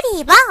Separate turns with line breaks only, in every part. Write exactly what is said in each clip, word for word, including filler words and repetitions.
ผีบ้า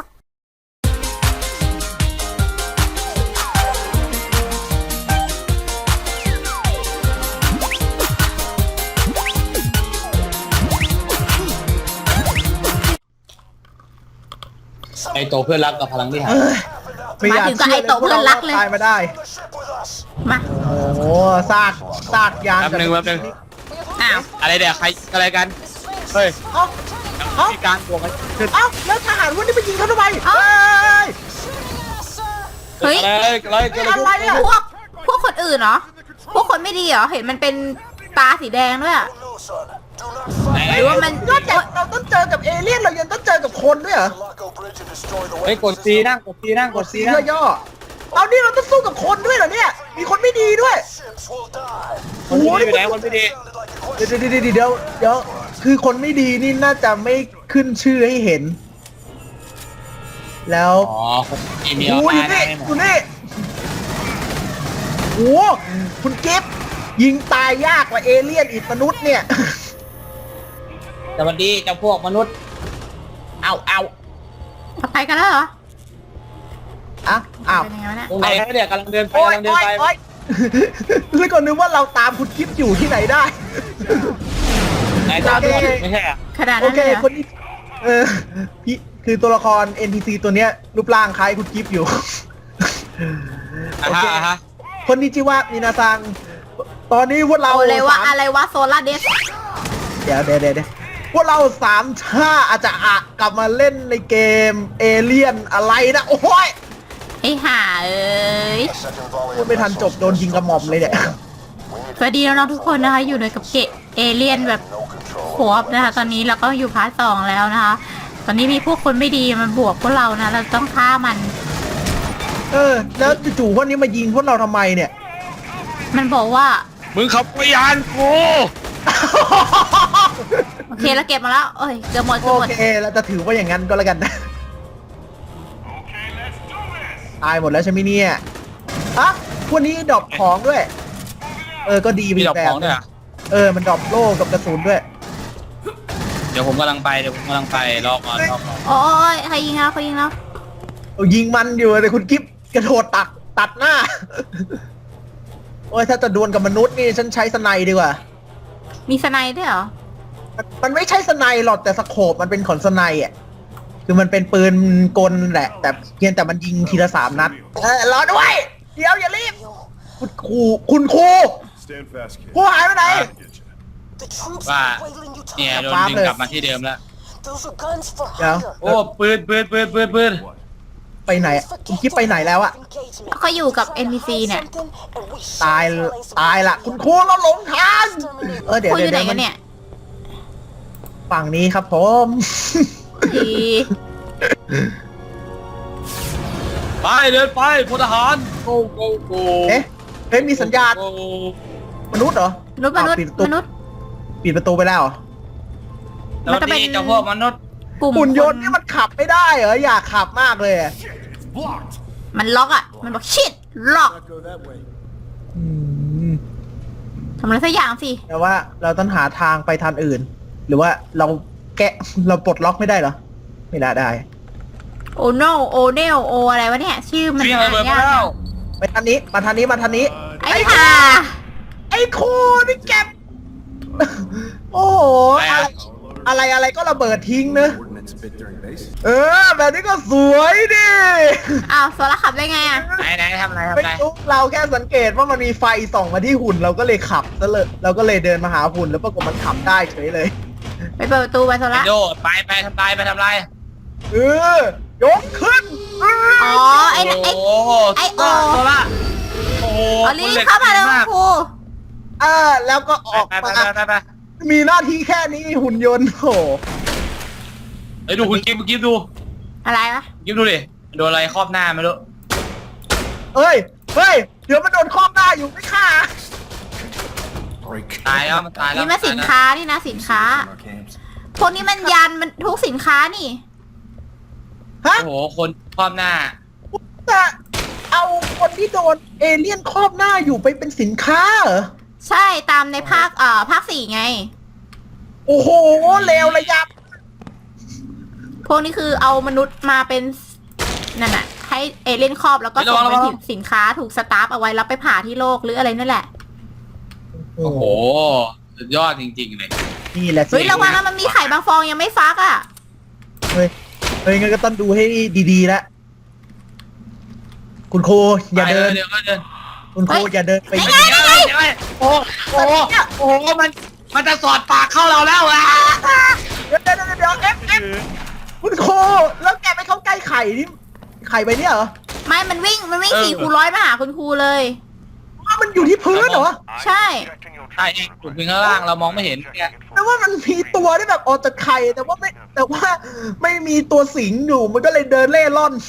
ไอโตเพื่อนรักกับพลังที่หาย
มาถึงก็ไอโตเพื่อนรักเลยตายมาได้
มา
โอ้ซากซากยาง
แป๊บนึงแป๊บนึง
อ้าว
อะไรเดี๋ยวใครอะไรกันเฮ้ย
เอ้าเอ้า
มีการบวกกันขึ้น
เอ้าแล้วทหารวันนี้ไปยิงเขาทำไมเฮ้ย
เฮ้ย
อะไรอะไรเกิดอะไร
อะไร
ขึ้น
อะ
พวกพวกคนอื่นเหรอพวกคนไม่ดีเหรอเห็นมันเป็นตาสีแดงด้วยอะ
ไหน
หรือว่ามัน
นอกจากเราต้องเจอกับเอเลี่ยนเรายังต้องเจอกับคนด้วยเหรอ
เฮ้ยกดซีนั่งกดซีนั่งกดซีนั่ง
ย่อๆเอานี่เราต้องสู้กับคนด้วยเหรอเนี่ยมีคนไม่ดีด้วย
คนไม่ดีอยู่ไหนคนไม่ดี
เดี๋ยวเดี๋ยวเดี๋ยวเดี๋ยวเดี๋ยวคือคนไม่ดีนี่น่าจะไม่ขึ้นชื่อให้เห็น แล้ว
อ๋อคนมีมี
โอ้
เอา
ย
ตาย
นี่
ได้หม
คุ
ด
ณนี่โอ้คุณกิฟต์ยิงตายยากกว่าเอเลี่ยนอีกมนุษย์เนี่ย
สวัสดีเจ้าพวกมนุษย์
เอาเอา
ไปกันแล้วเหรอ
อ่ะอ้าว
เป็นยังไงวะเนี่ย
ตรงไหนเนี่ยกำลังเดินไป
โอ้ย
กำลังเดิน
โอ้ย
ไป
โอ้ยแล้วก็นึกว่าเราตามคุณกิฟต์อยู่ที่ไหนได้
ไหนตามด้วยไม่ใช่อะ
ขนาด
โอ
นั้น
เค
เลยเหรอ
คนนี้เออพี่คือตัวละคร เอ็น พี ซี ตัวเนี้ยรูปร่างคล้ายคุณกิฟต์อยู่
อ่ะฮะอ่ะฮะ
คนนี้ชื่อว่ามินาซัง ตอนนี้พวกเรา
เอาเลยว่า
สาม
อะไรวะโซล่าเดส
เดี๋ยวเดี๋ยวเดี๋ยวเดี๋ยวพวกเราสามชาอาจจะอะกลับมาเล่นในเกมเอเลี่ยนอะไรนะ โอ้ย
ไอ้ห่าเอ้ย
พูดไม่ทันจบโดนยิงกระหม่อมเลยเนี่ย
สวัสดีน้องๆทุกคนนะคะอยู่ในกับเกะเอเลี่ยนแบบโคบนะคะตอนนี้เราก็อยู่พาร์ทสองแล้วนะคะ ตอนนี้มีพวกคนไม่ดีมันบวกพวกเรานะเราต้องฆ่ามัน
เออ แล้วจู่ๆพวกนี้มายิงพวกเราทำไมเนี่ย
มันบอกว่า
มึงขับไปยานกู
โอเคแล้วเก็บมาแล้วเอ้ยเกือบหมดเกื
โอ
อบหมด
เคเราจะถือว่าอย่างนั้นก็แล้วกันนะตายหมดแล้วใช่ไหมเนี่ยอะพวกนี้ดรอปของด้วย เออ ก็ดีไป
มี
อี
ดอก
กแบ
ข
บ
องด้วยเหรอ
เออ มันดรอปโล่กับกระสุนด้วย
เดี๋ยวผมกำลังไปเดี๋ยวผมกำลังไปรอก่อนรอก่อน
โอ้ยใครยิงแล้วใครยิงแล้ว
เอายิงมันอยู่แต่คุณกิฟกระโดดตักตัดหน้า โอ้ยถ้าจะดวลกับมนุษย์นี่ฉันใช้สไนด์ดีกว่า
มีสไนด์ด้วยเหรอ
มันมันไม่ใช่สไนด์หรอกแต่สโคปมันเป็นของสไนด์อ่ะ คือมันเป็นปืนกลแหละ แต่เพียงแต่มันยิงทีละสามนัด เออรอด้วย เดี๋ยวอย่ารีบ คุณครูคุณครู
Stand fast, kid.
ครูหายไปไหน
Get you.
ว่าเนี่ยโดนดึงกลับมาที่เดิมแล้ว
เดี๋ยว
โอ้ปืนปืนปืนปืนปืน
What?
ไปไหนอะคุณกิฟไปไหนแล้วอะ
เขาอยู่กับ เอ็น พี ซี เนี่ย
ตายตายละคุณครูเราหลงทาง เออเดี๋ยว
คุยอ
เดี๋ยว
ยู่ไหน
เดี๋ยว
กันเนี่ย
ฝั่งนี้ครับผม
ดี
ไปเดินไปพลทหาร go go go
เอ๊ะเฮ้ยมีสัญญาณ
go
มนุษย์เหรอ
มนุษย์มนุษย์
อ้าวปิดประตู
มนุษย์
ปิดประตูไปแล้วเหรอ
สวัสดีเจ้าพวกมนุษย์
กลุ่ม
หุ่นยนต์
ค
นี่มันขับไม่ได้เหรออยากขับมากเลยอะ
Blocked.
มันล็อกอ่ะ มันบอกชิดล็อก
Go that way.
อืม
ทำอะไรสักอย่างสิ
แต่ว่าเราต้องหาทางไปทางอื่น หรือว่าเราแกะเราปลดล็อกไม่ได้เหรอ ไม่ได้ได้
โอโนโอเนลโออะไรวะเนี่ย ชื่อมัน
วิ่ง
อ่า
ระ
น
เบิด
ยาก
มาแล้ว
ไปทางนี้มาทางนี้มาทางนี้
ไอ้ห่า
ไอ้ครูนี่แกบ โอ้โหอะไรอะไรอะไรก็ระเบิดทิ้งเนอะ
Ordnance bit during base.
เออ แบบนี้ก็สวยดิ
อ้าวโซล่าขับได้ไงอ่ะ
ไหนไหนทำอะไรทำ
ไม่
อะไร
รู้เราแค่สังเกตว่ามันมีไฟส่องมาที่หุ่นเราก็เลยขับซะเลยเราก็เลยเดินมาหาหุ่นแล้วปรากฏมันขับได้เฉยเลย
ไปเปิดประตูไปโซ
ไอ
ล่า
โดไปไปทำลายไปทำลาย
เออยกขึ้น
อ๋อ ไอ้นั่นไอ้
โอ้โห
ไอ้โอ
โซล่าโอ้โห
อ๋อรีบเข้ามาเลยคุณครู
เออแล้วก็ออก
ไปไป
มา
ไปไปไป
มีหน้าที่แค่นี้หุ่นยนต์โห
ไอ้ดูคุณกิฟกิฟดู
อะไรวะ
กิฟดูดิโดนอะไรครอบหน้าไม่รู้
เอ้ยเฮ้ยเดี๋ยวมันโดนครอบหน้าอยู่ไม่ฆ่า
Break.
ตายแล้วมันตายแล้ว
นี่มาสินค้านี่นะสินค้า
Our camps.
พวกนี้มันยันมันทุกสินค้านี่
ฮะ
โอ้โหคนครอบหน้า
จะเอาคนที่โดนเอเลี่ยนครอบหน้าอยู่ไปเป็นสินค้าเหรอ
ใช่ตามในภาคเอ่อภาคสี่ไง
โอ้โหเลวระยับ
พวกนี้คือเอามนุษย์มาเป็นนั่นน่ะให้เอเลี่ยนครอบแล้วก็ส่งเป็นสินสินค้าถูกสตาร์ฟเอาไว้แล้วไปผ่าที่โลกหรืออะไรนั่นแหละ
โอ้โหสุดยอดจริงๆเลย
นี่แหละสิ
เฮ้ยระวังนะมันมีไข่บางฟองยังไม่ฟักอ่ะ
เฮ้ยเฮ้ยงั้นก็ต้องดูให้ดีๆแล้วคุณครูอย่าเดิน
เดี๋ยวก็เดิน
คุณครูอย่าเดินไป
ไงไงไง
เดี๋ยวโอ้โหโอ้โหมันมันจะสอดปากเข้าเราแล้วอ่ะ
เดี๋ยวเดี๋ยวเดี๋ยวเดี๋ยวเอฟเอฟคุณครูแล้วแกไปเข้าใกล้ไข่นี่ไข่ไปเนี่ยเหรอ
ไม่มันวิ่งมันวิ่งสี่คูณร้อยมาหาคุณครูเลย
ว่ามันอยู่ที่พื้นเหรอ
ใช่
ใช่เองจุดพื้นข้างล่างเรามองไม่เห็นไง
แต่ว่ามันมีตัวที่แบบออกจากไข่แต่ว่าไม่แต่ว่าไม่มีตัวสิงอยู่มันก็เลยเดินเล่ร่อน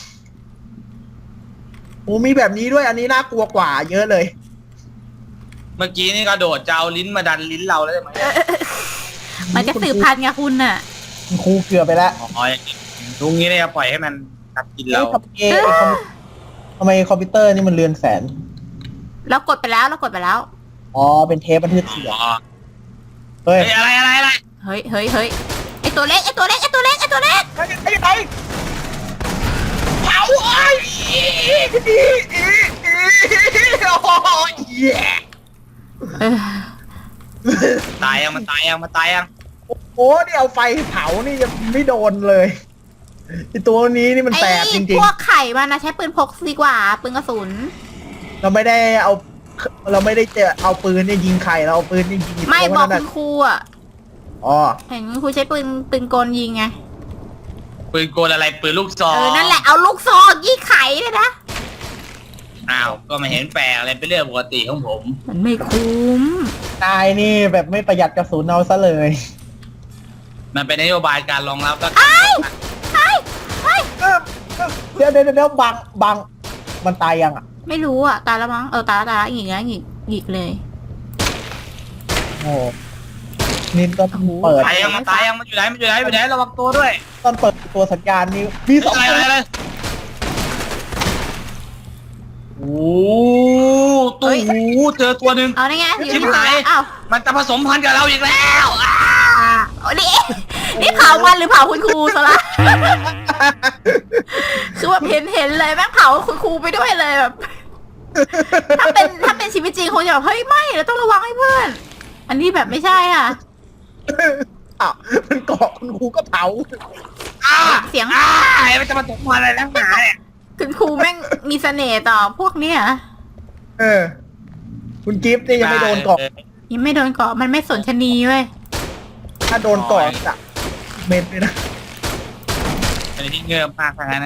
โอ้มีแบบนี้ด้วยอันนี้น่ากลัวกว่าเยอะเลย
เมื่อกี้นี่กระโดดจะเอาลิ้นมาดันลิ้นเราแล้วใช่ไหม
มันจะสืบพันธุ์ไงคุณน่ะ
คุณครูเกือบไปแล้ว
อ๋อตรงนี้เนี่ยปล่อยให้มันกัดกินเรา
เอ้ยทำไมไอ้คอมทำไมคอมพิวเตอร์นี่มันเรือนแสน
เรากดไปแล้วเรากดไปแล้ว
อ๋อเป็นเทปบันทึกเสียง
อ๋อ
เฮ้ย
เฮ้ยอะไรอะไรอะไร
เฮ้ยเฮ้ยเฮ้ยไอตัวเล็กไอตัวเล็กไอตัวเล็กไอตัวเล็ก
ไอ้ไอ้ไอ้เผาไอ้อีอีอีอีโอ้ยแย่
เออ
ตายยังมันตายยังมันตายยัง
โอ้นี่เอาไฟเผานี่ยังไม่โดนเลยไอตัวนี้นี่มัน
ไอ
แสบจริง
พวกไข่มันนะใช้ปืนพกดีกว่าปืนกระสุน
ๆ เราไม่ได้เอาเราไม่ได้เจอเอาปืนเนี่ยยิงไข่เราเอาปืนเนี่ยยิง
ไม่
ตัว
บอก
นั้น
คุ
น่ะ
ณครูอ่ะ
อ๋อ
เห็นคุณครูใช้ปืนปืนกลยิงไง
ปืนโกนอะไรปืนลูกซอง
เออนั่นแหละเอาลูกซองยิงไข่เลยนะ
อ้าวก็ไม่เห็นแปลกอะไรเป็นเรื่องปกติของผม
มันไม่คุ้ม
นายนี่แบบไม่ประหยัดกระสุนเอาซะเลย
มันเป็นนโยบายการรองรับแล้ว
ไอ้ไอ้ไอ้
เออเดี๋ยวเดี๋ยวเดี๋ยวบังบังมันตายยังอ่ะ
ไม่รู้อ่ะตายแล้วมั้งเออตายแล้วตายแล้วหงิกแล้วหงิกหงิกเลย
โอ้นินก็เปิด
ตายยังมันตายยังมันอยู่ไหนมันอยู่ไหนอยู่ไหนระวังตัวด้วย
ตอนเปิดตัวสัญญาณนี้มีสอง
อะไร
ตัว
อะไรอะไรโอ้ตู้หูเจอตัวหนึ่ง
เอาได้ไงอยู่
ชิบ
ที่
หาย
อ้าว
มันจะผสมพันธุ์กับเราอีกแล้วอ่ะ
อ่าโอ้นี่นี่เผามันหรือเผาคุณครูซะละ คือแบบเห็นเห็นเลยแม่งเผาคุณครูไปด้วยเลยแบบ ถ้าเป็นถ้าเป็นชีวิตจริงคงจะแบบเฮ้ยไม่เราต้องระวังให้เพื่อน อันนี้แบบไม่ใช่อ่ะ
อ้าวมันเกาะคุณครูก็เผา
อ่ะ
เสียง
อ่ะมันจะผสมพันธุ์อะไรนักหนาเนี่ย
คุณครูแม่งมีเสน่ห์ต่อพวกเนี้ย
เออ คุณกิฟต์นี่ยังไม่โดนเกาะ
ยังไม่โดนเกาะมันไม่สนชะนีเว้ย
ถ้าโดนเกาะจะเม็ดเลยนะ
อันนี้เงื่อมากทางนั้นนะ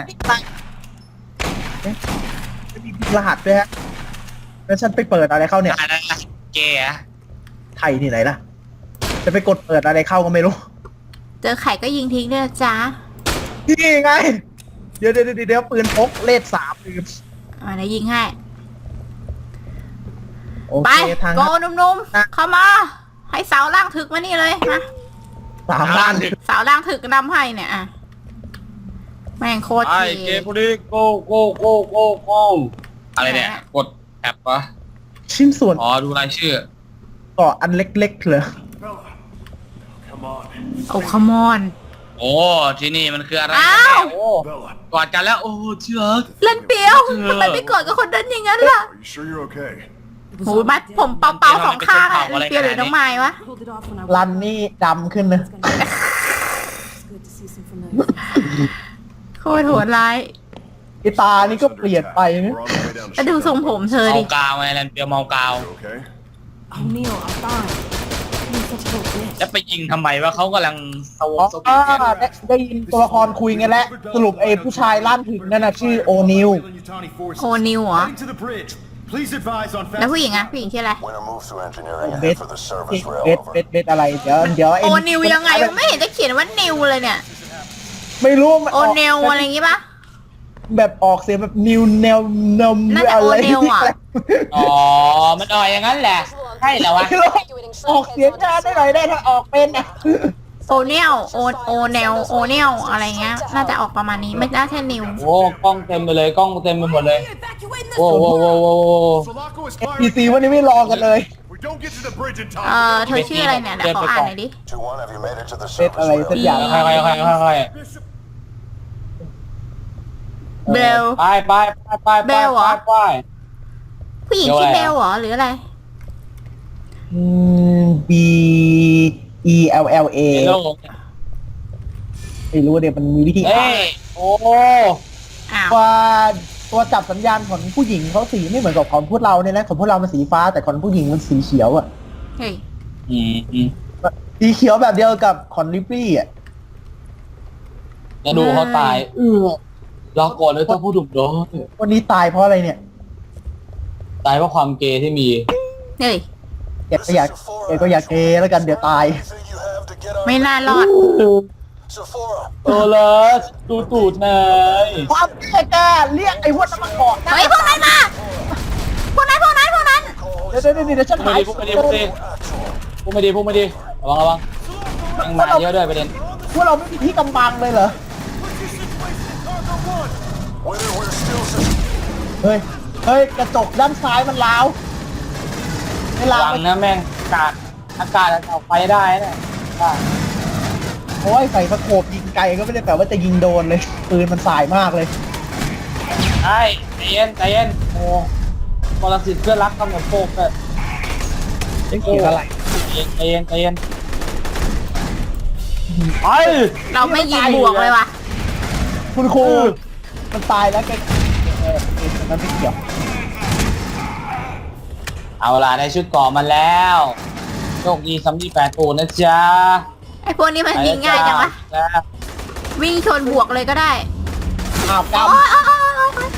จะมีรหัสด้วยฮะแล้วฉันไปเปิดอะไรเข้าเนี่ย
อะไรนะเกย์อะ
ไทยที่ไหนล่ะ จะไปกดเปิดอะไรเข้าก็ไม่รู้
เจอไข่ก็ยิงทิ้งด้วยนะจ๊ะ
นี่ไง เดี๋ยวเดี๋ยวเดี๋ยวปืนพกเลขสามลืม
มาเดี๋ยวยิงให้
โอ
ไป
เคทาง
โกนุ่มๆเข้ามา ให้สาวล่างถึกมานี่เลยมา
สามล้าน
สาวล่างถึกนำให้เนี่ยอ่ะแม่งโคตร
ไอ้
เท่
เกย์พวกนี้โกโกโกโกโกอะไรเนี่ยกดแอปปะ
ชิ้นส่วน
อ๋อดูรายชื่อ
เกาะอันเล็กๆเหรอ
Bella, come on.
โอ้คมอน
โอ้ที่นี่มันคืออะไร
อ้าว
โอ้
Bella,
กอดกันแล้วโอ้เชื่อ
เล่นเปียว
เออ
ทำไมไม่กอดกับคนนั้นอย่างนั้นล่ะ
are you sure you're okay?
โหมัดผมเป่าๆสองข้างอะเปียวหรือน้องไม้วะ
Pulled it off when I
รันนี่ดำขึ้นนะ
was gonna. It's good to see some familiar.
โคตรโหดร้าย
ไอตานี่ก็เปลี่ยนไปนะ
We're on the way down to
แล้วดูทรงผมเธอ
เมา
ดิ
กาวไงแลนเปียวเมากาว
You okay?
Oh, Neil, I'm fine. You're such a little bitch.
จะไปยิงทำไมวะเขากำลังสว
อ๋
อ
อ
สวีทกัน
ได้ได้ยินตัวละครคุยกันแล้วสรุปไอ้ผู้ชายล่านถึงนั่นน่ะชื่อโอนิว
โอนิวเหรอ
Heading to the bridge. Please advise on
แล้วผู้หญิงอะผู้หญิงชื่ออะไร
When it moves through engineering,
เบ
head
ส
for the
เบ
service
ส
rail.
เบส
Over.
เบสเบสอะไร เดี๋ยวเดี๋ยว
โอนิวยังไงไม่เห็นจะเขียนว่านิวเลยเนี่ย
ไม่รู้มัน
โอเนลอะไรอย่างงี้ปะ
แบบออกเสียงแบบนิวแนวนม
น่าจะ
อะไร
โอเนลอะ
อ๋อมันอ่อยอย่างนั้นแหละใช่เหรอวะ
ไม่รู้ออกเสียงงานได้หน่อยได้ถ้าออกเป็นนะ
โอเนลโอโอเนลโอเนลอะไรเงี้ย น่าจะออกประมาณนี้ไม่น่าใช่นิว
โอ้กล้องเต็มไปเลยกล้องเต็มไปหมดเลย
Evacuating
โอ้โหโอ้โหโอ้โห
Sulaco is
พีซี
firing.
วันนี้ไม่รอกันเลย
We don't get to the bridge in
เอ่อ
time.
เธอชื่ออะไรเนี่ยเดี๋ยวขออ่านหน่อยดิ
two one, have you made it to the
Bit
service
alay,
rail?
said yeah.
ค่อยๆค่อยๆค่อย
Bishop,
เบล
ไปไปไปไป
เบ
ไป
ลเหรอ
ไป
ผู้หญิง
เบล
ชื่อ
อะไร
เบ
อ่ะ
ลเหรอหรืออะไร
อืม B E L L A
เบล
ไม่รู้เดี๋ยวมันมีวิธี
เอ้ยโอ้
อ้าว
ว่าตัวจับสัญญาณของผู้หญิงเขาสีไม่เหมือนกับของพวกเราเนี่ยนะของพวกเรามันสีฟ้าแต่ของผู้หญิงมันสีเขียวอะ
เฮ้ย
อืมอืม
สีเขียวแบบเดียวกับคอนลิปปี้อะ
แล้วดูเขาตายเออรอก่อนเลยต้องพูดถูกโดน
วันนี้ตายเพราะอะไรเนี่ย
ตายเพราะความเกย์ที่มี
เฮ้ย
แกก็อยากแกก็อยากเกย์แล้วกันเดี๋ยวตาย
ไม่น่ารอด
โอ้เลยดูตูดหน่อย
ความแก่กล้าเรียกไอ้พวกนั้นมาก่อนนะ
เฮ้ยพวกนั้นมาพวกนั้นพวกนั้นพวกนั้น
เดี๋ยวเดี๋ยวเดี๋ยวฉัน
พูด
หา
ไม่
ย
ดีพูดไม่ดีพูดไม่ดีพูดไม่ดีพูดไม่ดีระวังระวังยังมาเยอะด้วยประเด็น
พวกเราไม่มีที่กำบังเลยเหรอ เฮ้ย เฮ้ย กระจกด้านซ้ายมันร้าวเวลา
ระวังนะแม่งอากาศอากาศเอาไปได้นะได้
โอ้ยใส่สโคปยิงไกลก็ไม่ได้แปลว่าจะยิงโดนเลย ปืนมันสายมากเลย
ไอ้ใจเย็นใจเย็นโอ้ปรสิตเพื่อนรักกำเนิดโฟกเลย
ไม่เกี่ยวอะไร
ใจเย็นใจเย็นไป
เราไม่ยิงบวกเลยว่ะ
คุณครูมันตายแล้วแกเออเออมันไม่เกี่ยว
เอาล่ะได้ชุดเก่อมาแล้วโชคดีสำลีแปดตูนนะจ๊ะ
ไอ้พวกนี้มันยิงง่ายจังวะ
จ้า
วิ่งชนบวกเลยก็ได้
อ้าวก
โอ้ยโอ้ยโอ้ยโอ้ยโอ้ย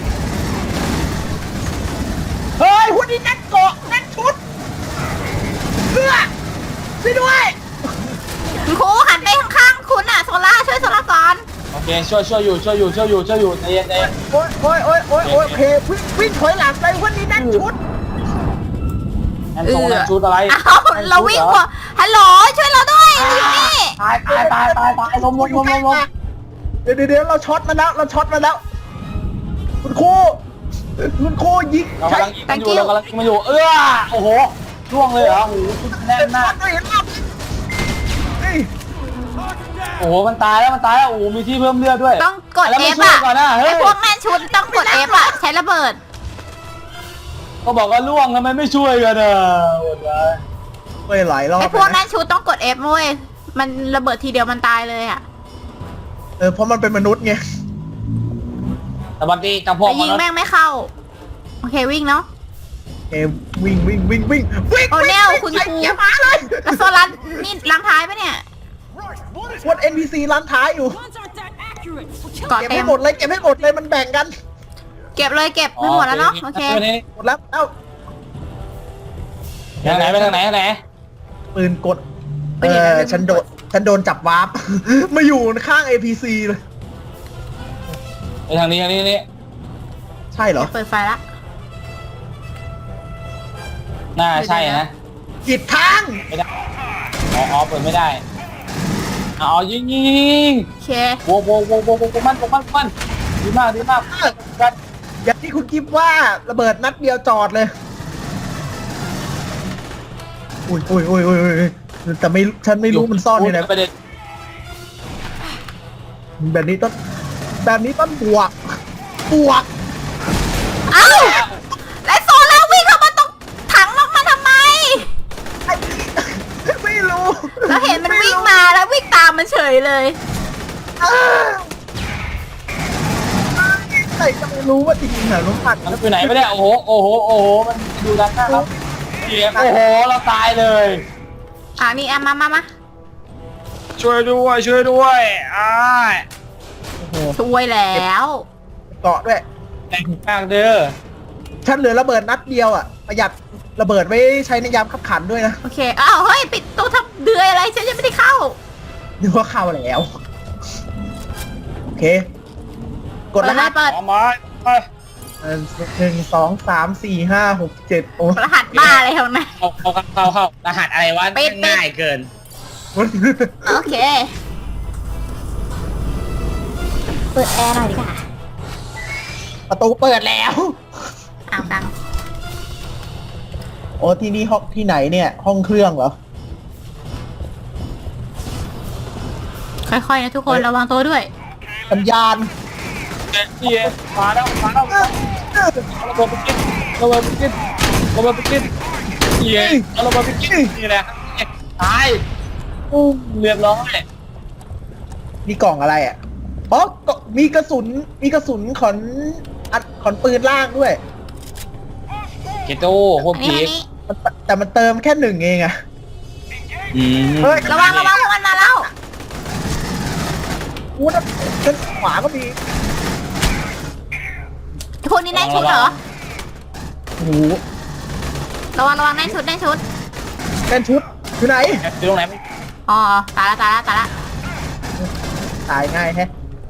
ำเฮ้ยหุ่นนี้นั่นเกาะนั่นชุดเพื่อช่วยด้วย
คุณครูหันไปข้างๆคุณอะโซล่าช่วยโซล่าก่อน
โอเคช่วยช่วยอยู่ช่วยอยู่ช่วยอยู่ช่วยอยู่ใจเย็นใจเย็น
โอ้ยโอ้ยโอ้ยโอ้ยโอ้ยโอเควิ่งวิ่งถอยหลังไปหุ่นนี้นั่นชุด
นั่นทรงนั่นชุดอะไร
เอ้าเราวิ่งกว่าฮัลโหลช่วยเราด้วยเราอยู่นี่
ตายตายตายตายตายลมลมลมลมลม
เดี๋ยวเดี๋ยวเดี๋ยวเราช็อตมาแล้วเราช็อตมาแล้ว คุณครูคุณครูยิง
เรา
ใช้
กำลังยิงมันอยู่เรากำลังยิงมันอยู่เออโอ้โหล่วงเลยเหรอโอ้โหชุดแน่นมาก
ไม่เห็นหรอกนี่
โอ้โหมันตายแล้วมันตายแล้วโอ้โหมีที่เพิ่มเลือดด้วย
ต้องกด
แล้ว
เอ
ไม่
ฟ
ช่วย
อะ
ก่อนนะเฮ้
ไอย พวกแม่นชุดต้องกดเอฟอะใช้ระเบิด
ก็บอกว่าล่วงทำไมไม่ช่วยกันอ่ะโอ้ย
ไปหลายรอบ
ไอพวก
เลย
แม่
นะ
นชุดต้องกดเอฟเว้ยมันระเบิดทีเดียวมันตายเลยอะ
เออเพราะมันเป็นมนุษย์ไง
สวัสดีจังพวก
แต่ยิงแม่งไม่เข้าโอเควิ่งเนาะ
เอมวิ่งวิ่งวิ่งวิ่งวิ่ง
โอ้แนว
วิ่ง
คุณ
ใส่
ครู
เกียร์ม้าเลย
แล้วโซลันนี่ลังท้ายปะเนี่ย
พวก เอ็น พี ซี ร้านท้ายอยู่
Guns aren't that accurate. We'll kill
เกาะ
เก็บ
เต็
ให้
ม
หมดเลยเก็บให้หมดเลยมันแบ่งกัน
เก็บเลยเก็บไม่หมดแล้วเนาะโอเค
หมดแล้วเอ้า
ทางไหนไปทางไหนทางไหน
ปืนกด
ไป
เอ
ไหน
อ
นะ
ฉันโดนฉันโดนจับวาร์ป มาอยู่ข้าง เอ พี ซี เลย
ไปทางนี้ทางนี้นี่
ใช่เหรอ
เปิดไฟละ
น่าใช่นะ
ผิดทาง
ไม่ได้อ๋ออ๋อเปิดไม่ได้อ๋อยิงยิงยิง
โอเค
โว้โว้โว้โว้โว้มันโว้มันมันดีมากดีมากกัน
อย่างที่คุณกิฟว่าระเบิดนัดเดียวจอดเลย อุ้ยอุ้ยอุ้ยอุ้ยอุ้ยแต่ไม่ฉันไม่รู้มันซ่อนอยู่ไหน
ประเด็น
แบบนี้ต้องแบบนี้ต้องบวก บวก
เอ้าแล้วโซล่าวิ่งเข้ามาตรงถังลงมาทำไม
ไอ้ไม่รู้
เราเห็นมันวิ่งมาแล้ววิ่งตามมันเฉยเลย
อ้าวใครจะไม่รู้ว่าจริงๆเหรอลุงพัด
มันอยู่ไหนไม่ได้โอ้โหโอ้โหโอ้โหมันอยู่ด้านหน้าครับเสียงโอ้โหเราตายเลย
อ่านี่อ่ะมามามา
ช่วยด้วยช่วยด้วยอ้าย
โอ้โห
ช่วยแล้ว
เกาะด้วย
แรงมากเด้อ
ฉันเหลือระเบิดนัดเดียวอ่ะ ประหยัดระเบิดไว้ใช้ในยามขับขันด้วยนะ
โอเคอ้าวเฮ้ยปิดตู้ทำเดือยอะไรฉันยังไม่ได้เข้า
นึกว่าเข้าแล้ว โอเค กดรหัส
เปิด
เอามาไป
เอ่อหนึ่งสองสามสี่ห้าหกเจ็ดโอ้
รหัสบ้าอะไรของนาย
เข้าเข้าเข้าเข้ารหัสอะไรวะ
ปิดปิด
ง่ายเกิน
โอเค เปิดแอร์หน่อยดีกว่า
ประตูเปิดแล้ว
อ้าวดัง
โอ้ที่นี่ห้องที่ไหนเนี่ย ห้องเครื่องเหรอ
ค่อยๆนะทุกคนระวังตัวด้วย
สัญญาณ
นี่ไงมาแล้วมาแล้วระเบิดไปกินระเบิดไปกินระเบิดไปกินนี่ไงเอาระเบิดไปกินนี่แหละตายปุ้มเรียบร้อย
มีกล่องอะไรอ่ะอ๋อก็มีกระสุนมีกระสุนขอนอัดขอนปืนล่างด้วย
เกโต้โคตร
อันนี้
พี
อัน
ค
นี้
แต่มันเติมแค่หนึ่งเองอะ
อืม
เฮ้ย
ระวังระวังพวกมันมาแล้ว
กูนะด้านขวาก็มี
พวกนี้ได้ชุดเหรอ
โอ้โห
ระวังระวังได้ชุดได้ชุด
เป็นชุดอยู่ไหน
อยู่ตรงไหน
อ๋อตายละตายละตายละ
ตายง่ายแฮะ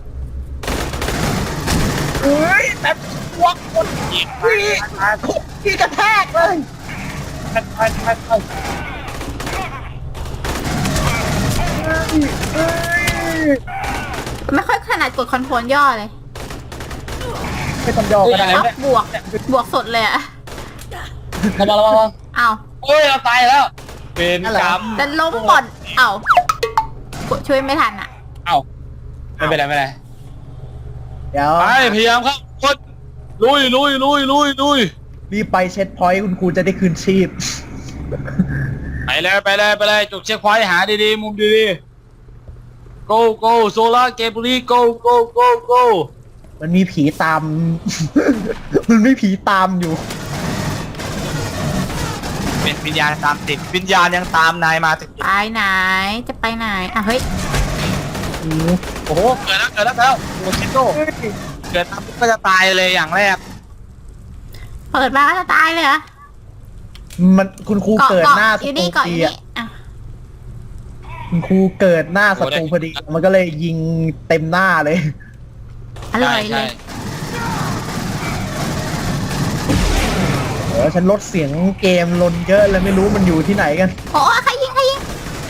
เฮ้ยแต่พวกคนพี่พี่กระแทกเลย
ไปไปไปไป
เฮ้ย
ไม่ค่อยขนาดกดคอนโทรลย่อเลย
ไม่ต้องย่อก็ได้
ชอบบวกบวกสดเลยอะ
ระวังระวังระวัง
อ้าว
โอ้ยเราตายแล้วเป็นกรรม
แต่ล้มก่อนเอ้า กดช่วยไม่ทันอะ
เอ้าไม่เป็นไรไม่เป็นไร
เดี๋ยว
ไปพยายามครับคนลุยลุยลุยลุยลุย
รีบไปเช็ดพอยต์คุณครูจะได้คืนชีพ
ไปเลยไปเลยไปเลยจุดเช็คพอยต์หาดีๆมุมดีๆ go go โซล่าเกมบุรี go go go go
มันมีผีตาม มันไม่ผีตามอยู่
เป็นวิญญาณตามติดวิญญาณยังตามนายมาถึง
ไปไหน จะไปไหน อ่ะเฮ้ย
โอ้โหเกิดแล้วเกิดแล้วเกิดแล้วโอ้ชิโต้เกิดตามปุ๊บก็จะตายเลยอย่างแรก
เปิดมาก็จะตายเลยเหรอ
มันคุณครู
เกาะ
เกิด
เกาะ
หน้า
อ
ศั
ยู่
ตรู
นี่เกาะ
พ
อ
อยู่ ดี
นี่
อะ
อ่ะ
คุณครูเกิดหน้าศัตรูพอดี มันก็เลยยิงเต็มหน้าเลย
อร่อยเลย
เออฉันลดเสียงเกมลนเยอะเลยไม่รู้มันอยู่ที่ไหนกัน
โอ้ใครยิงใครยิง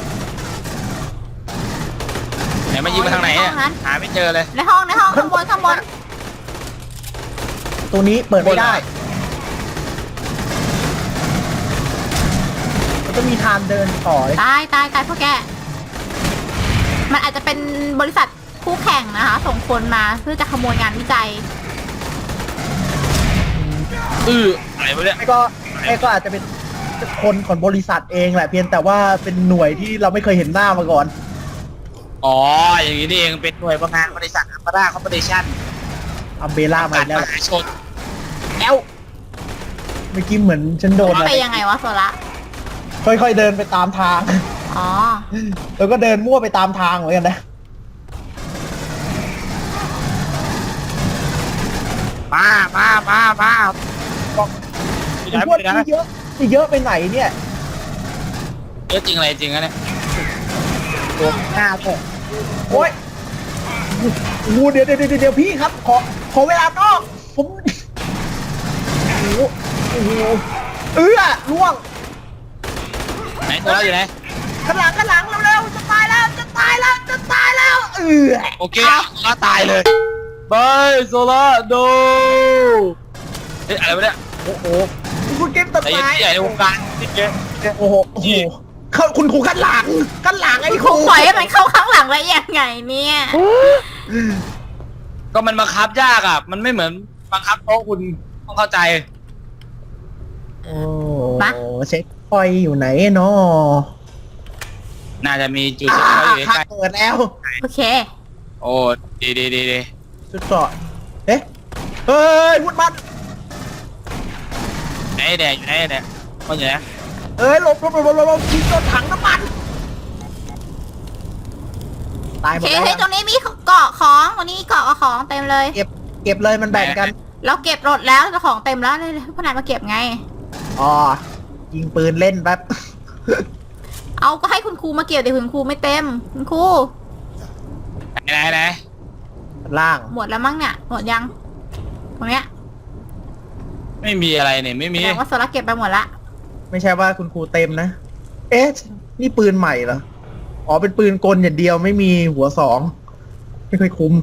ไหนมายิงมาทางไหนอ่ะหาไม่เจอเลย
ในห้องในห้องข้างบนข้างบน
ตัวนี้เปิดไม่ได้ มันจะมีทางเดินต่อเลย
ตายตายตายพวกแก มันอาจจะเป็นบริษัทคู่แข่งนะคะ ส่งคนมาเพื่อจะขโมยงานวิจัย
อื้ออะไรวะเนี่ย
ไม่ก็ไม่ก็อาจจะเป็นคนของบริษัทเองแหละเพียงแต่ว่าเป็นหน่วยที่เราไม่เคยเห็นหน้ามาก่อน
อ๋ออย่างนี้นี่เองเป็นหน่วยประงานบริษัทอัมบาร่าคอร์ปอเรชั่น
อัมเบล่ามา
การ
อีกแล้ว
มหาชน
แล้วเมื่อกี้เหมือนฉันโดนอะไร
ไปยังไงวะโซละ
ค่อยๆเดินไปตามทาง
อ๋อ
แล้วก็เดินมั่วไปตามทางเหมือนกันนะ
มามามามาไม่
ไอ้
ได้
พวก
ไม่ได้
ที่เยอะที่เยอะไปไหนเนี่ย
เยอะจริงอะไรจริงอะเนี่ยตัวหน้าเลย
โอ้ยโอ้โหเดี๋ยวเดี๋ยวเดี๋ยวเดี๋ยวพี่ครับ ขอ ขอเวลานอก ผม โอ้โหโอ้โหเอื้อล่วง
ไหนตัวเราอยู่ไหน
ข้างหลังข้างหลังเร็วๆจะตายแล้ว จะตายแล้ว จะตายแล้ว เอื้อ
โอเคก็ตายเลยบายโซล่าโดเฮ้ยอะไรวะเนี่ย
โอ้โหคุณเก็บต้น
ไอ้ยั
ไม้
งใหญ่ในวงการนี่เก
โอ้โห โอ้โหเข้าคุณครูข้างหลังข้างหลังไอ้
ค
ค
รู
รู
ปล่อยให้มันเข้าข้างหลังได้ยังไงเนี่ย
ก็มันบังคับยากอ่ะ มันไม่เหมือนบังคับโต๊ะคุณต้องเข้าใจ
โอ้เช็คพอยต์อยู่ไหนเนาะ
น่าจะมีจุด
อ่า
เช็คพอยต์อยู่
ค่ะ
ใกล้
เปิดแล้ว
โอเค
ๆโอ้ดีดีดีดี
ชุดเกราะเอ๊ะเฮ้ยวุดมัน
ไหนแดงอยู่ไหนแดงมันอยู่ไหน
เอ้ยหลบหลบหลบหลบหลบทิ้งโดนถังน้ำมันตายห
โอ
มด
เค
แล้ว
เฮ้ยตรงนี้มีเกาะของตรงนี้เกาะกับของเต็มเลย
เก็บเก็บเลยมันแบ่งกัน
เราเก็บรถแล้วแต่ของเต็มแล้วเลยพวกนายมาเก็บไง
อ๋อยิงปืนเล่นแป๊บ
เอาก็ให้คุณครูมาเก็บแต่คุณครูไม่เต็ม คุณครู
ไหนไหนไหน
ล่าง
หมดแล้วมั้งเนี่ย หมดยัง ตรงเนี้ย
ไม่มีอะไรเนี่ยไม่
แส
มี
ดงว่าโซล่าเก็บไปหมดละ
ไม่ใช่ว่าคุณครูเต็มนะ เอ๊ะนี่ปืนใหม่เหรออ๋อเป็นปืนกลอย่างเดียวไม่มีหัวสองไม่ค่อยคุ้ม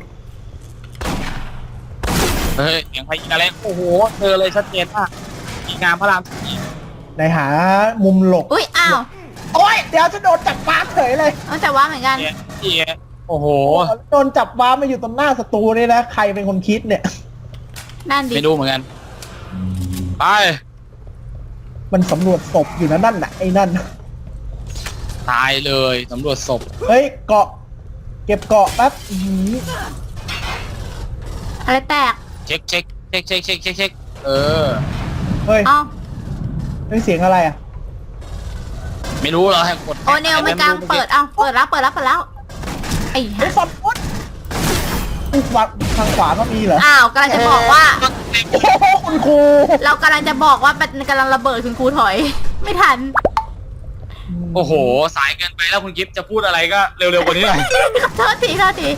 เฮ้ยเสียงใครยิงอะไรโอ้โหเจอเลยชัดเจนมากยิงงามพระรามสี่
ในหามุมหลบ
อุ้ยอ้าว
โอ้ยเดี๋ยวจะโดนจับฟ้าเฉยเลย
เอาแต่ว่าเหมือนกัน
เนี่ยที่โอ้โห
โดนจับว้ามาอยู่ตรงหน้าศัตรูนี่นะใครเป็นคนคิดเนี่ย
นั่นดิ
ไม่รู้เหมือนกันไป
มันสำรวจศพอยู่นะนั่นน่ะไอ้นั่น
ตายเลยสำรวจศพ
เฮ้ยเกาะ เก็บเกาะแป๊บอื้อหือ
อะไรแตก
เช็คเช็คเช็คเช็คเช็คเช็คเช็คเออ
เฮ้ย
เอ้า
เฮ้ยเสียงอะไรอ่ะ
ไม่รู้เหรอให้กด
โอเนลไม่กลางเปิดเอ้าเปิดแล้วเปิดแล้วเปิดแล้วไอ้
เฮ้ย
ห่า
ฟอนฟุตอุ๊ยขวาทางขวาก็มีเหรอ
อ้าวกำลังจะบอกว่า
โอ้โหคุณครู
เรากำลังจะบอกว่ามันกำลังระเบิดคุณครูถอย ไม่ทัน
โอ้โห สายเกินไปแล้วคุณกิฟต์จะพูดอะไรก็เร็วๆกว่านี้หน่อย
โทษทีโทษที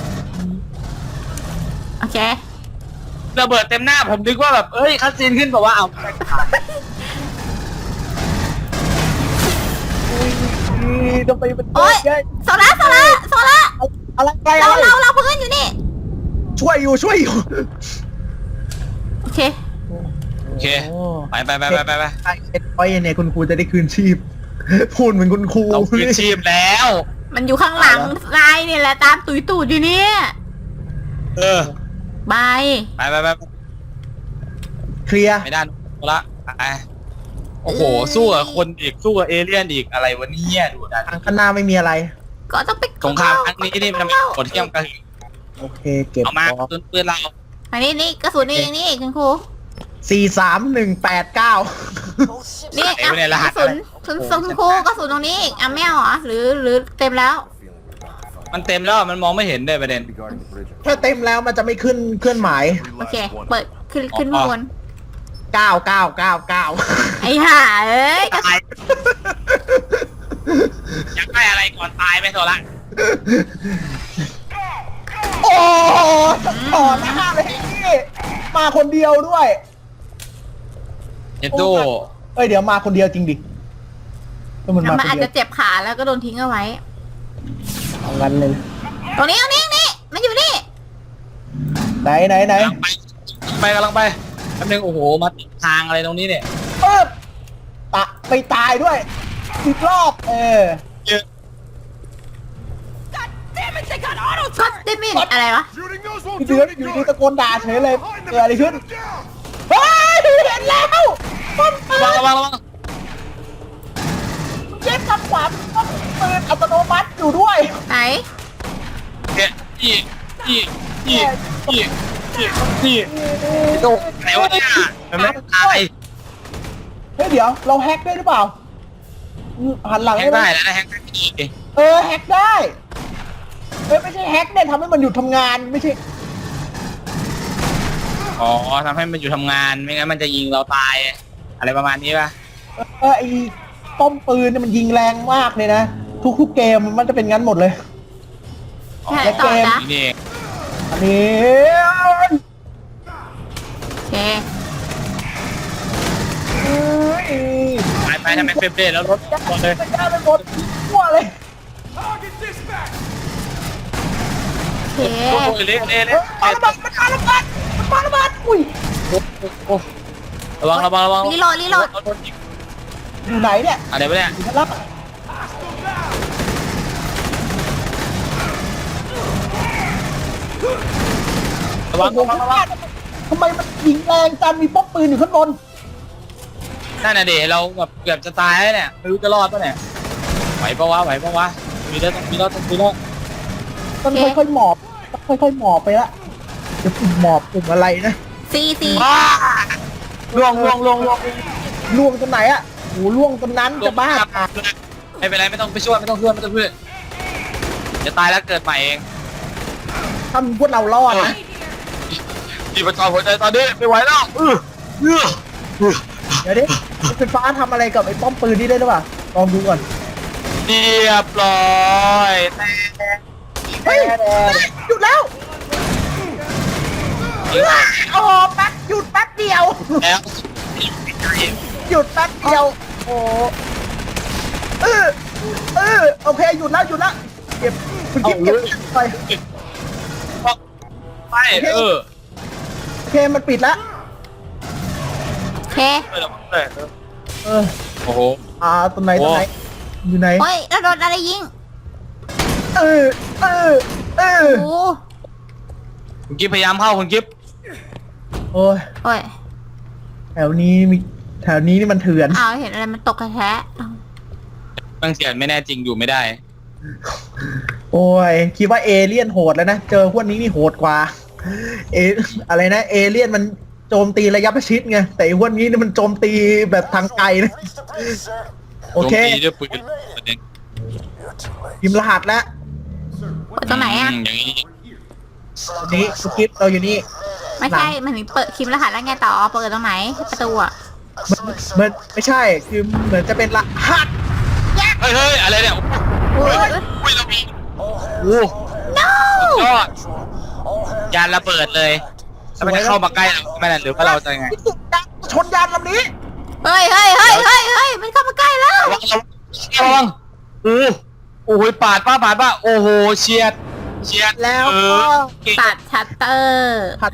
โอเค
ระเบิดเต็มหน้าผมนึกว่าแบบเอ้ยคัสซีนขึ้นแบบว่าเอา
นี่ทำไมมัน
โอ๊ย
เยอะ
โซล่าโซล่าโซล่า
อะไรอะไร
เรา
อะไร
เราเราเพื่อนอยู่นี่
ช่วยอยู่ช่วยอยู่
โอเค
โอเคไปไปไปไปไปไป
ไอ้เอ็ดไว้เนี่ยคุณครูจะได้คืนชีพ พูดเหมือนคุณครู
เราคืนชีพแล้ว
มันอยู่ข้างหลังนายเนี่ยแหละตามตุยตูดอยู่เนี่ย
เออบ
าย
ไปไปไป
เคลียร์
ไม่ได้ละไปโอ้โหสู้กับคนอีกสู้กับเอเลี่ยนอีกอะไรวะเนี่ยดูดัน
ทางข้างหน้าไม่มีอะไร
ก็ต้องไป
สงครามครั้งนี้นี่มันมีกดเที่ยมกัน
โอเค เก็บ
เอามา
ออก
ปืนปืนเรา
อันนี้นี่กระสุนนี่นี่คุณครู
สี่สามหนึ่งแปดเก้า
นี่อ่ะกระสุนกระสุนคุณครูกระสุนตรงนี้อีกอ่ะไม่เอาเหรอหรือหรือเต็มแล้ว
มันเต็มแล้วมันมองไม่เห็นเลยประเด็น
Regarding the bridge.
ถ้าเต็มแล้วมันจะไม่ขึ้นเคลื่อนหมาย
โอเค เปิดขึ้นขึ้นข้างบน
เก้าเก้าเก้าเก้า
ไอ้ห่าเอ้ยกระ
ตายอยากได้อะไรก่อนตายไหมโซละ
โอ้ต่อหน้าเลยนี่มาคนเดียวด้วย
เจตู
เอ้ยเดี๋ยวมาคนเดียวจริงดิก็มันมา
มัน
คน
อาจ
เดีย
จะ
ว
เจ็บขาแล้วก็โดนทิ้งเอาไว้
เอางั้นเลย
ตรงนี้ตรงนี้นี่มันอยู่นี่
ไหนไหนไหน
กำลังไปไปกำลังไปแป๊บนึงโอ้โหมาติดทางอะไรตรงนี้เนี่ย
เออตะไปตายด้วยอีกรอบเออ
เยอะ
ก็ได้ไม่อะไรวะ
Shooting those
อ
won't
ยู่
do
ดี
any
อยู่ดี
good.
ตะโกนด่าเฉยเลย
Behind
เกิดอะไร
them,
ขึ้น
shoot them down.
เฮ้ยเห็นแล้วป้อมปื
ระวัง
น
ระวังระวัง
เย็บทางขวาป้อมปืนอัตโนมัติอยู่ด้วย
ไหน
เนี่ยอีอีอีอีอีอีโตไหนวะเนี่ยมันไม่ตาย
เฮ้ยเดี๋ยวเราแฮกได้หรือเปล่าหันหลัง
แฮก
ได้ไหม
ได้แล้วนะแฮกได้อี
เออแฮกได้เอ้ยไม่ใช่แฮกเนี่ยทำให้มันหยุดทำงานไม่ใช่
อ๋อทำให้มันอยู่ทำงานไม่งั้นมันจะยิงเราตาย อะไรประมาณนี้ป่ะ
เออไอ้ป้อมปืนเนี่ยมันยิงแรงมากเลยนะ ทุกๆเกมมันจะเป็นงั้นหมดเลย
แค่ต่อนะ
นี่
อันนี้
โอเค
เอ้ย
ไปไปทำไมเฟรมเรทแล้วรถรถเลย
จะกล้าไปหมดทั่วเลย
Target dispatch.
โอเค
โอ้โหเละเละ
เฮ้
เละ
ยปาระเบิดมันปาระเบิดมันปาระเบิดอุ้ย
โอ้ระวังระวังระวัง
รีโหลดรีโหลด
รถยิง
อยู่ไหนเนี่ย
อะไรวะเนี่ย
อยู่ชั้นล่าง
ระวัง
โอ้
ระ
โห
วังระวัง
ทำไมมันยิงแรงจังมีป้อมปืนอยู่ข้างบน
นั่นน่ะเดี๋ยวเราแบบเกือบจะตายแล้วเนี่ยไม่รู้จะรอดปะเนี่ยไหวปะวะไหวปะวะมีแล้วต้องมีแล้วต้องมีแล้ว
มันค่อยๆหมอบค่อยๆหมอบไปละเดี๋ยวปุ่มหมอบปุ่มอะไรนะ
ซีซี
ล่วงล่วงล่วงล่วง
ล่วงตรงไหนอะโอ้โหล่วงตรงนั้นจะบ้า
ไม่เป็นไรไม่ต้องไปช่วยไม่ต้องช่วยไม่ต้องช่วยจะตายแล้วเกิดใหม่เอง
ถ้าพวกเรารอดนะ
จีบจอหัวใจตอนนี้ไม่ไหวแล้วเออเออ
เดี๋ยวดิรถไฟฟ้าทำอะไรกับไอ้ป้อมปืนนี่ได้หรือเปล่าลองดูก่อน
เรียบร้อยแต่
เฮ้ยหยุดแล้วโอ้โหแป๊บหยุดแป๊บเดียว
แล้ว
หยุดแป๊บเดียวโอ้เออเออโอเคหยุดแล้วหยุดแล้วเก็บคุณกิ๊บเก็บไป
ไปเออ
โอเคมันปิดแล้ว
โอเค
เออเออ
เออ
โอ้โห
อ่าตรงไหนตรงไหนอยู่ไหน
โอ้ยแล้วโดนอะไรยิง
เออเออเออ
โอ้
คุณกิฟพยายามเข้าคุณกิฟ
โอ้ย
โอ้ย
แถวนี้มีแถวนี้นี่มันเถื่อน
อ้าวเห็นอะไรมันตกกระแทะอ้าว
บางเสียนไม่แน่จริงอยู่ไม่ได้
โอ้ยคิดว่าเอเลี่ยนโหดแล้วนะเจอพวกนี้นี่โหดกว่าเออะไรนะเอเลี่ยนมันโจมตีระยะประชิดไงแต่ไอ้พวกนี้นี่มันโจมตีแบบทางไกลนะ
Reach the base, sir.
โอเค
โจมตีด้วยปืนประเด็น
You're too late.
พิมพ์รหัสแล้ว
เปิดตรงไหนอ่ะ
มอย่างนี้
ตรงนี้สคริปต์เราอยู่นี่
ไม่ใช่มันมีเปิดคิมรหัสแล้วไงต่อเปิดตรงไหนประตูอ่ะ
มันมันไม่ใช่คือเหมือนจะเป็นรหัส
เฮ้ยเฮ้ยอะไรเนี่ย
โอ้ย
อุ้ยเรามี
All
โอ้
hands
ยอด
control. All hands
ยานระเบิดเลยแล้วมันจะเข้ามาใกล้เราไหม่ล่ะหรือว่าเราจะไง
ชนยานลำนี้
เฮ้ยเฮ้ยเฮ้ยเฮ้ยเฮ้ยมันเข้ามาใกล้แล้ว
ระวังระวังโอ้โอ้ยปาดป้าปาดป้าโอ้โหเฉียดเฉียด
แล้ว
เอ
ก็
อเก่ง
ตัดชัตเตอร์
ผัด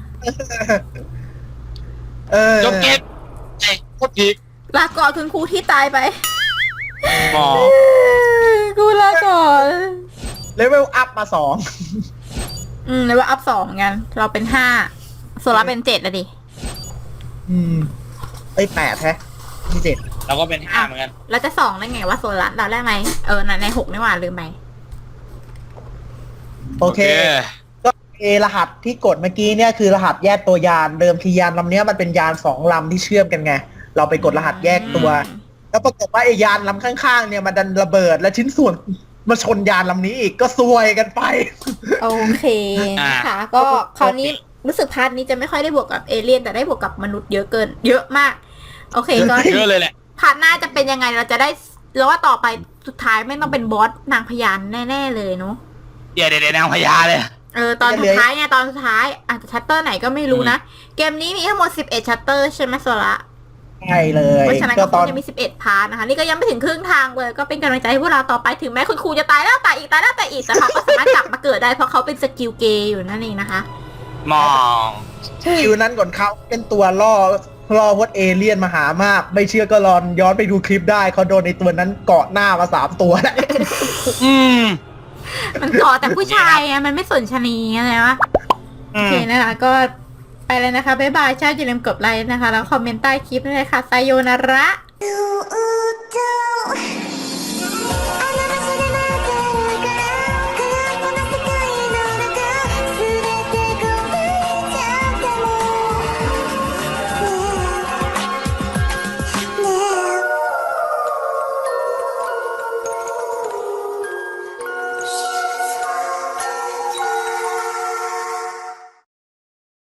เออ
จบเกมไอ้โคตรพีค
ลาก่อนคุณครูที่ตายไป
หมอ
กูลาก่อน
เลเวลอัพมาสอง
อืมเลยว่าอัพสองเหมือนกัน เราเป็นห้าโซล่าเป็นเจ็ดอะดิ
อืมไอ้ยแปดแท้ที่เจ็ด
เราก็เป็นห้าเหมือนกัน
เราจะสองได้ไงว่าโซล่าเราได้ไหมเออในหกนี่หว่าลืมไป
โอเค ก็เอรหัสที่กดเมื่อกี้เนี่ยคือรหัสแยกตัวยานเดิมทียานลำเนี้ยมันเป็นยานสองลำที่เชื่อมกันไง เราไปกดรหัสแยกตัว แล้วปรากฏว่าไอ้ยานลำข้างๆเนี่ยมันดันระเบิดและชิ้นส่วนมาชนยานลำนี้อีกก็ซวยกันไป
โอเคนะคะก็คราวนี้รู้สึกพาร์ทนี้จะไม่ค่อยได้บวกกับเอเลี่ยนแต่ได้บวกกับมนุษย์เยอะเกิน เยอะมาก โอเคก็
เยอะเลยแหละ
พาร์ทหน้าจะเป็นยังไงเราจะได้แล้วว่าต่อไปสุดท้ายไม่ต้องเป็นบอสนางพญานแน่ๆเลยเนาะ
เดี๋ยวเดี๋ยวเดี๋ยวนางพญาเลย
เออตอนสุดท้ายไงตอนสุดท้ายอาจจะชัตเตอร์ไหนก็ไม่รู้นะ เกมนี้มีทั้งหมดสิบเอ็ดชัตเตอร์ใช่ไหมโซละ
ใช่เลย
เพราะฉะนั้น
ก็
ก็
ต
ค
อง น
จะมีสิบเอ็ดพาร์ทนะคะ นี่ก็ยังไม่ถึงครึ่งทางเลย ก็เป็นกำลังใจให้พวกเราต่อไปถึงแม้คุณครูจะตายแล้วตายอีกตายแล้วตายอีกแต่เขาก็สามารถกลับมาเกิดได้เพราะเขาเป็นสกิลเกย์อยู่นั่นเองนะคะ
มอง
คิวนั้นก่อนเขาเป็นตัวล่อล่อพวกเอเลี่ยนมาหามาก ไม่เชื่อก็ลองย้อนไปดูคลิปได้เขาโดนในตัวนั้นเกาะหน้ามาสามตัวแล้ว
อืม
มันก่อแต่ผู้ชายไงมันไม่สนชะนีอะไรวะ
อื
โอ
ม
เคนะคะก็ไปเลยนะคะ บ๊ายบายชอบอย่าลืมกดไลค์นะคะ แล้วคอมเมนต์ใต้คลิปด้วยนะคะไซโยนาระ